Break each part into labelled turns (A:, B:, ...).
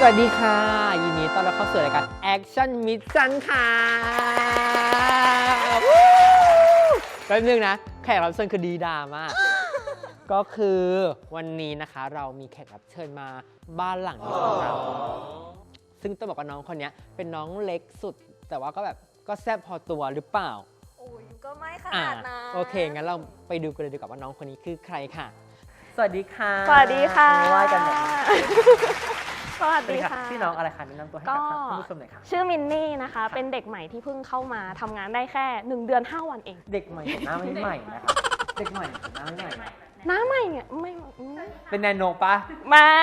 A: วัสดีค่ะยินดีต้อนรับเข้าสู่รายการ Action Mission ค่ะแป๊บนึงนะแขกรับเชิญคือดีดามาก ก็คือวันนี้นะคะเรามีแขกรับเชิญมาบ้านหลังนี้ของเราซึ่งต้องบอกว่าน้องคนนี้เป็นน้องเล็กสุดแต่ว่าก็แบบก็แซ่บพอตัวหรือเปล่า
B: โอ้ยก็ไม่ขนาดนั้น
A: โอเคงั้นเราไปดูกันเลยดีกว่าว่าน้องคนนี้คือใครค่ะสวัสดีค่ะ
B: สวัสดีค่ะ
A: ไหว้กันหน่อย
B: สวัสดีค่ะ
A: พี่น้องอะไรคะแนะนำตัวให้กับท่านผู้ชมหน่อยค่ะ
B: ชื่อมินนี่นะคะเป็นเด็กใหม่ที่เพิ่งเข้ามาทำงานได้แค่1 เดือน 5 วันเอง
A: เด็กใหม่หน้าไม่ใหม่นะคะเด็กใหม่หน้าไม่ใหม่
B: หน้าใหม่เนี่ยไม่
A: เป็นแนนโนปะ
B: ไม่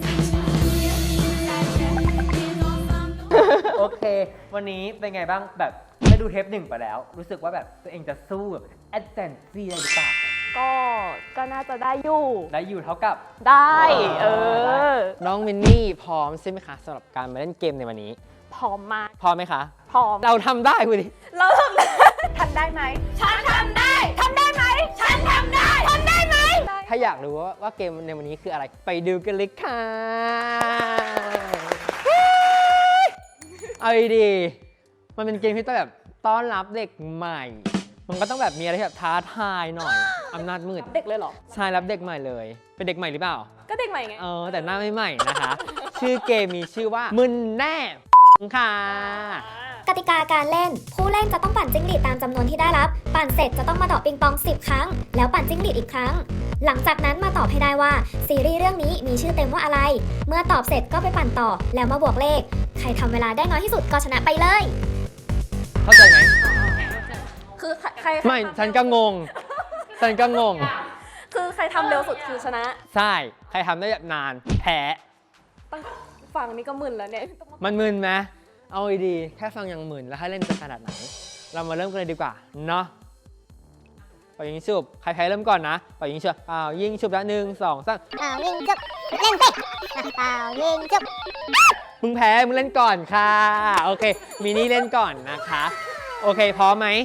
A: โอเควันนี้เป็นไงบ้างแบบได้ดูเทป1ไปแล้วรู้สึกว่าแบบตัวเองจะสู้แบบแอดเซนซี่ได้หรือเปล่า
B: ก็น่าจะได้อยู่
A: เท่ากับ
B: ได้
A: น้องมินนี่พร้อมใช่ไหมคะสำหรับการมาเล่นเกมในวันนี้
B: พร้อมมาก
A: พร้อมไหมคะ
B: พร้อม
A: เราทำได้คุณดิ
B: เราทำได้ทำได้ไหมฉันทำได้ทำได้ไหมฉันทำได้ทำได้ไหม
A: ถ้าอยากรู้ว่าเกมในวันนี้คืออะไรไปดูกันเลยค่ะเอาดีมันเป็นเกมที่ต้องแบบต้อนรับเด็กใหม่มันก็ต้องแบบมีอะไรที่แบบท้าทายหน่อยอำนาจมืด
B: เด็กเลยเหรอ
A: ใช่รับเด็กใหม่เลยเป็นเด็กใหม่หรือเปล่า
B: ก็เด็กใหม่ไง
A: แต่หน้าไม่ใหม่นะคะชื่อเกมมีชื่อว่ามึนแน่ค่ะ
C: กติกาการเล่นผู้เล่นจะต้องปั่นจิ้งหรีดตามจำนวนที่ได้รับปั่นเสร็จจะต้องมาเดาะปิงปอง10 ครั้งแล้วปั่นจิ้งหรีดอีกครั้งหลังจากนั้นมาตอบให้ได้ว่าซีรีส์เรื่องนี้มีชื่อเต็มว่าอะไรเมื่อตอบเสร็จก็ไปปั่นต่อแล้วมาบวกเลขใครทำเวลาได้น้อยที่สุดก็ชนะไปเลย
A: เข้าใจไหม
B: คือใคร
A: ไม่ฉันก็งง
B: คือใครทำเร็วสุดคือชนะ
A: ใช่ใครทำได้แบบนานแพ้
B: ตั้งฟังนี่ก็มึนแล้วเนี่ย
A: มันมึนไหมเอาดีแค่ฟังยังมึนแล้วให้เล่นจะขนาดไหนเรามาเริ่มกันเลยดีกว่าเนาะเป่ายิงฉุบใครเริ่มก่อนนะเป่ายิงฉุบยิงฉุบละ1 2 3
C: ยิงฉุบเล่นสิยิงฉุบ
A: มึงแพ้มึงเล่นก่อนค่ะโอเคมินี่เล่นก่อนนะคะโอเคพร้อมไหม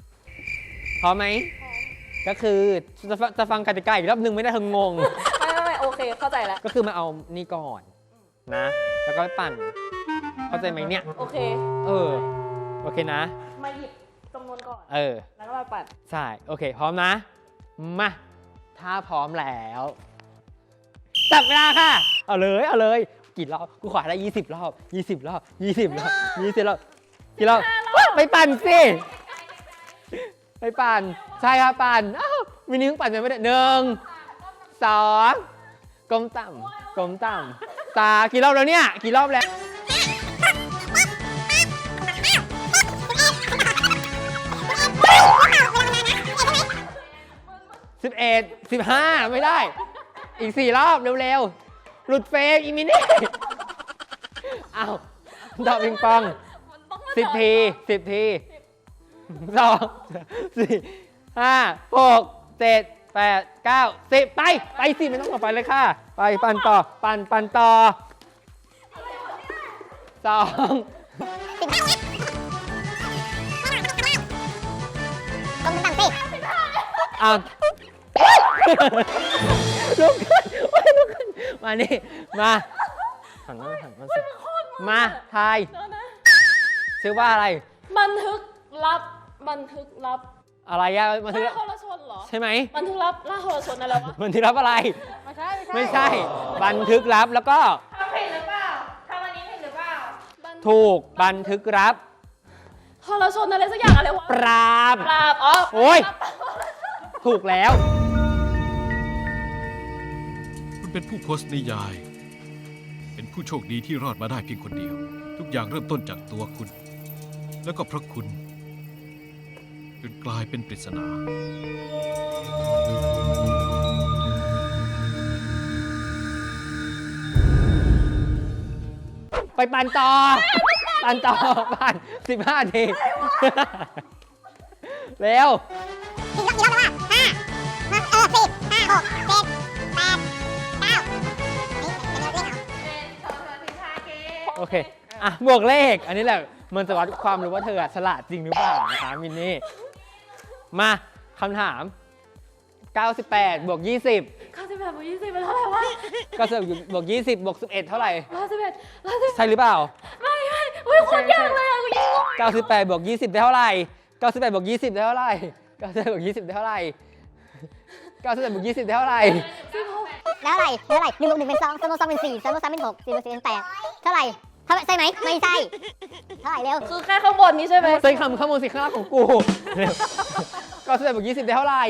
A: ก็คือจะฟังกติกาอีกรอบนึงไม่ได้เธองง
B: ไม่โอเคเข้าใจแล้ว
A: ก็คือมาเอานี่ก่อนนะแล้วก็ปั่นเข้าใจไหมเนี่ย
B: โอเค
A: โอเคนะ
B: มาหยิบจำนวนก่อนแล้วก็มาปั่น
A: ใช่โอเคพร้อมนะมาถ้าพร้อมแล้วจับเวลาค่ะเอาเลยกี่รอบกูขอได้20 รอบ20 รอบกี่รอบไปปั่นสิไปปั่นใช่ครับปั่นมินิเพิ่งปั่นไปไม่ได้1 2ก้มต่ำตากี่รอบแล้วเนี่ยกี่รอบแล้ว11 15ไม่ได้อีก4 รอบเร็วๆหลุดเฟรมอีมินี่ดอกปิงปอง10 ที2 4 5 6 7 8 9 10ไปสิไม่ต้องต่อไปเลยค่ะไปปั่นต่อปั่นต่อลุกขึ้นมานี่มาหันมาทายชื่อว่าอะไร
B: บันทึกลับ
A: อะไรอะบันทึก
B: ล่าโทรชนเหรอ
A: ใช่ไหม
B: บันทึกลับล่าโทรชนอะไรวะ
A: บันทึกลับอะไรไม่ใช่บันทึกลับแล้วก็
B: ทำผิดหรือเปล่าทำอันนี้ผิดหรือเปล่า
A: ถูกบันทึกลับ
B: โทรชนอะไรสักอย่างอะไรวะ
A: ปราบโอ้ยถูกแล้ว
D: คุณเป็นผู้โพสต์นิยายเป็นผู้โชคดีที่รอดมาได้เพียงคนเดียวทุกอย่างเริ่มต้นจากตัวคุณแล้วก็เพราะคุณจนกลายเป็นปริศนา
A: ไปปั่นต่อปั่น15 ทีเร็ว
C: กี่รอบแล้วอ่ะ10 5 6 7 8 9
A: โอเคบวกเลขอันนี้แหละมันจะวัดความรู้ว่าเธอฉลาดจริงหรือเปล่านะคะมินนี่มาคำถาม 98บวก20
B: 98บวก20เป็นเท่าไหร่วะ
A: 98บวก20บวก11เท่าไหร่
B: 111
A: ใช่หรือเปล่า
B: ไม่อุ้ยโคตรยากเลยอ่ะกูยิง
A: 98บวก20ได้เท่าไหร่98บวก20ได้เท่าไหร่98บวก20ได้เท่าไหร่98บวก20ได้เท่าไหร่
E: แล้วอะไร1 บวก 1เป็น2 2 บวก 2เป็น4 2 บวก 3เป็น6 4 บวก 4เป็น8เท่าไหร่ใช่ไหมไม่ใช่เท่าไหร่เร็ว
B: คือแค่ข้างบนนี้ใช่ไหม
A: ใส่คำข้างบนสิข้างล่างของกู98บวก20ได้เท่าไหร่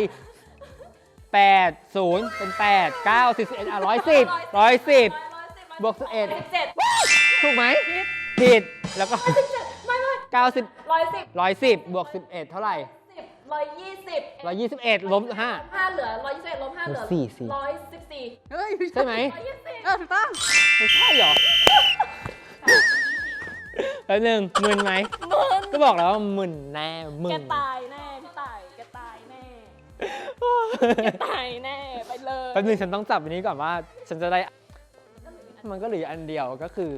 A: 8 0เป็น8 9 10 11 110บวก11
B: 17
A: ถูกไหมผิดแล้วก็
B: ไม่
A: 90
B: 110
A: 110บวก11เท่าไหร่
B: 120
A: 121ลบ5
B: 5เหลือ121ลบ5เหลือ
A: 4
B: 114
F: เฮ้ย
A: ใช่ไหม
F: ถูกต้อง
A: ไม่ใช่เหรอแล้วหนึ่งมึนไหมก็บอกแล้วว่ามึนแน่มึน
B: แกตายแน่พี่ตายแกตายแน่แกตายแน่ไปเลย
A: แป๊บนึงฉันต้องจับอันนี้ก่อนว่า ฉันจะได้ มันก็เหลืออันเดียวก็คือ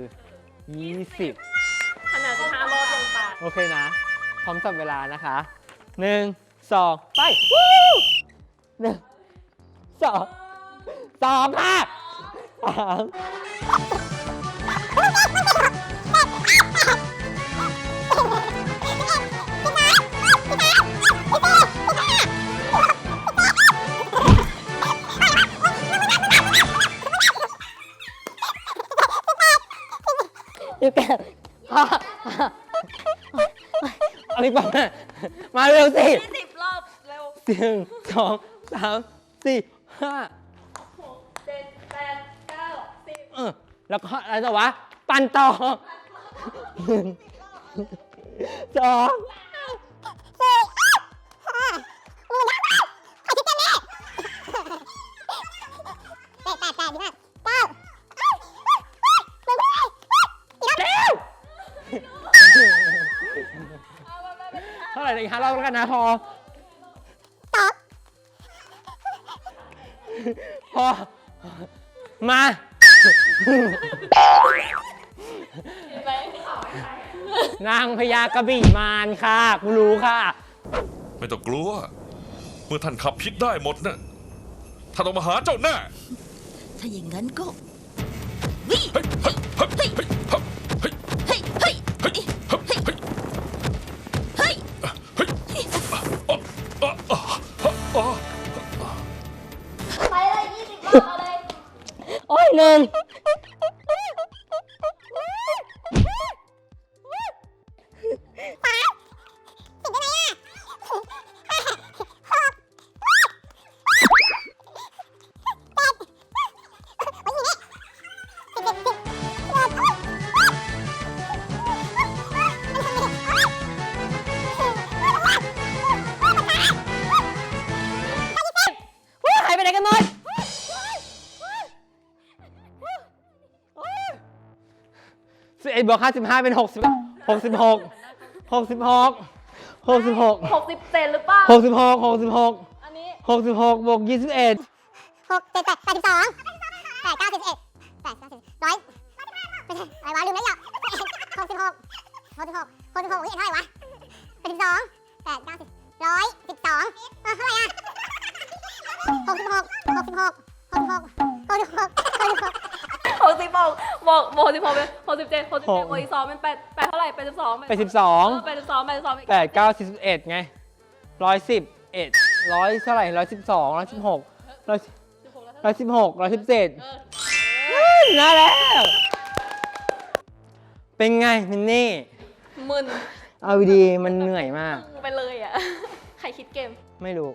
A: 20
B: ขนาด15รอบยังตาย
A: โอเคนะ พร้อมจับเวลานะคะ 1 2 ไปวู้1 2 ค่ะ3
E: อยู่กับ
A: อะไรบ้างมาเร็วสิ
B: 20รอบเร็ว
A: 1 2 3 4 5
B: 6 7 8 9 10
A: แล้วก็อะไรต่อวะ ปั่นต่อ1 2 เท่าไหร่อีก5รอบแล้วกันนะพอ มา นางพญากระบี่มารค่ะกูรู้ค่ะ
G: ไม่ต้องกลัว เมื่อท่านขับพิษได้หมดนะ่ะท่านต้องมาหาเจ้าแน่
F: ถ้าอย่างนั้นก็วิ่ง
G: เฮ้ยเฮ้ยเฮ้ยเฮ้ยเฮ้ย
F: เฮ้ยเฮ้ย
G: เฮ้ยเฮ้ยเฮ้ย
F: เฮ้ย
G: เฮ้ยอ๋ออ๋ออ๋อ
B: ไปเลย20รอบเอาเลย
A: โอ้ยหนึ่งหายไปไหนกันหมด11บวก55เป็น60 66 66 66
B: 67หรือเปล่า
A: 66 66
B: อันนี้
A: 66บวก21
E: 6 7 8 82 8 9 11 8 9 10 100ไม่ใช่อะไรวะลืมแล้วอ่ะ66 66เห็นเท่าไหร่วะ82 8 9 10 112เท่าไหร่อ่ะ66
B: 66บอก16เป็น67บวกอีก2เป็น8เท่าไหร่82
A: ไป12
B: 82
A: 8 9 41ไง111 100เท่าไหร่112 116 116 117น่าแล้ว เป็นไงมินนี่
B: มึน
A: เอาดีๆมันเหนื่อยมาก
B: ไปเลยอ่ะ ใครคิดเกม
A: ไม่รู้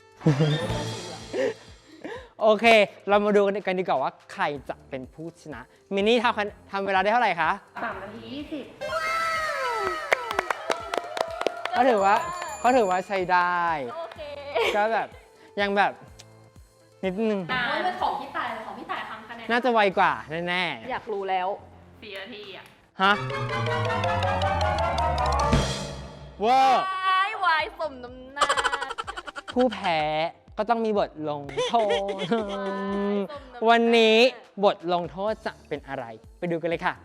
A: โอเค เรามาดูกันดีกว่าว่าใครจะเป็นผู้ชนะ มินนี่ทำเวลาได้เท่าไหร่คะ
B: 3 นาที 20
A: เขาถือว่าใช้ได้
B: โอเค
A: ก็แบบยังแบบนิดนึง
B: ไม่เป็นของพี่ต่ายของพี่ต่ายทำคะแนน
A: น่าจะไวกว่าแน่
B: อยากรู้แล้ว4 นาทีอ่ะ
A: ๆ ฮะเวอร์
B: วายสมน้ำหน้า
A: ผู้แพ้ก็ต้องมีบทลงโทษ วันนี้บทลงโทษจะเป็นอะไร ไปดูกันเลยค่ะ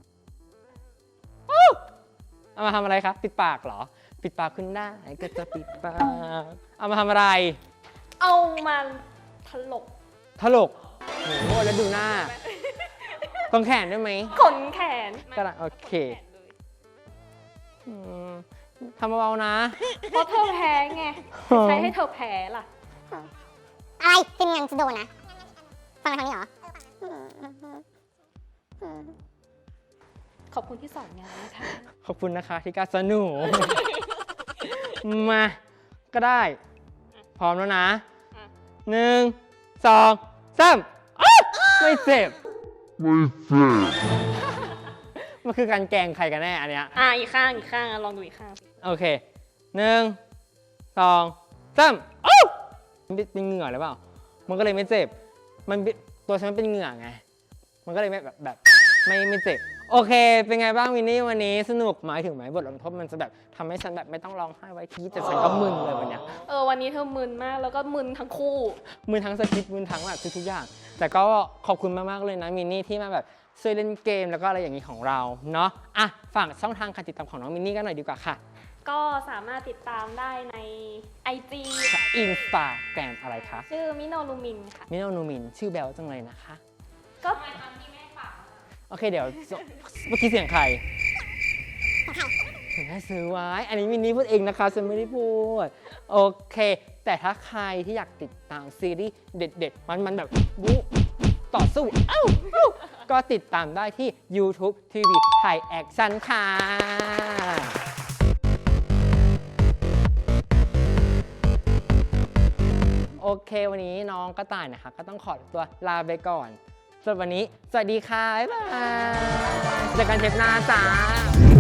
A: อู้เอามาทำอะไรครับ ปิดปากเหรอ ปิดปากคุณได้ก็จะปิดปาก เอามาทำอะไร
B: เอามาถลก
A: ถลกโหแล้วดูหน้าตรงแขนได้ไหม
B: ขนแขน
A: ก็ได้โอเคอืมทำเบาๆนะ
B: เพราะเธอแพ้ไง ใช้ให้เธอแพ้ล่ะ
E: อะไรทีมงานจะโดนนะ ฟังทางนี้เหรอ
B: ขอบคุณที่สอนงานนะคะ
A: ขอบคุณนะคะที่กล้าสนุก มาก็ได้ พร้อมแล้วนะ
B: อ่ะ
A: 1 2 3อ๊ะไม่เจ็บ มันคือการแกล้งใครกันแน่อันเนี้ย
B: อีกข้างลองดูอีกข้างสิ
A: โอเค 1 2 3อ๊ะมันเป็นเหงื่อหรือเปล่า มันก็เลยไม่เจ็บ มันเป็นตัวฉันมันเป็นเหงื่อไง มันก็เลยแบบไม่เจ็บ โอเค เป็นไงบ้างวินนี่วันนี้สนุกหมายถึงไหมบทลงโทษมันจะแบบทำให้ฉันแบบไม่ต้องร้องไห้ไว้ทีแต่ฉันก็มึนเลยวันเนี้ย
B: วันนี้เธอมึนมากแล้วก็มึนทั้งคู่
A: มือทั้งสคริปต์มือทั้งแบบทุกๆอย่าง แต่ก็ขอบคุณมากๆเลยนะมินนี่ที่มาแบบช่วยเล่นเกมแล้วก็อะไรอย่างนี้ของเราเนาะอ่ะฝากช่องทางการติดตามของน้องมินนี่กันหน่อยดีกว่าค่ะ
B: ก็สามารถติดตามได้ใน IG
A: อินสตาแกรมอะไรคะ
B: ชื่อมิโนลูมินค่ะ
A: มิโนนูมินชื่อแบลจังเลยนะคะ
B: ก็
A: โอเคเดี๋ยวเมื่อกี้เสียงใครถึงให้ซื้อไว้ อันนี้มินนี่พูดเองนะคะฉันไม่ได้พูดโอเค แต่ถ้าใครที่อยากติดตามซีรีส์เด็ดๆมันแบบบู๊ต่อสู้ก็ติดตามได้ที่ YouTube TV Thai Action ค่ะ โอเควันนี้น้องกระต่ายนะคะก็ต้องขอตัวลาไปก่อนสำหรับวันนี้สวัสดีค่ะ บ๊ายบายเจอกันเทปหน้าจ้า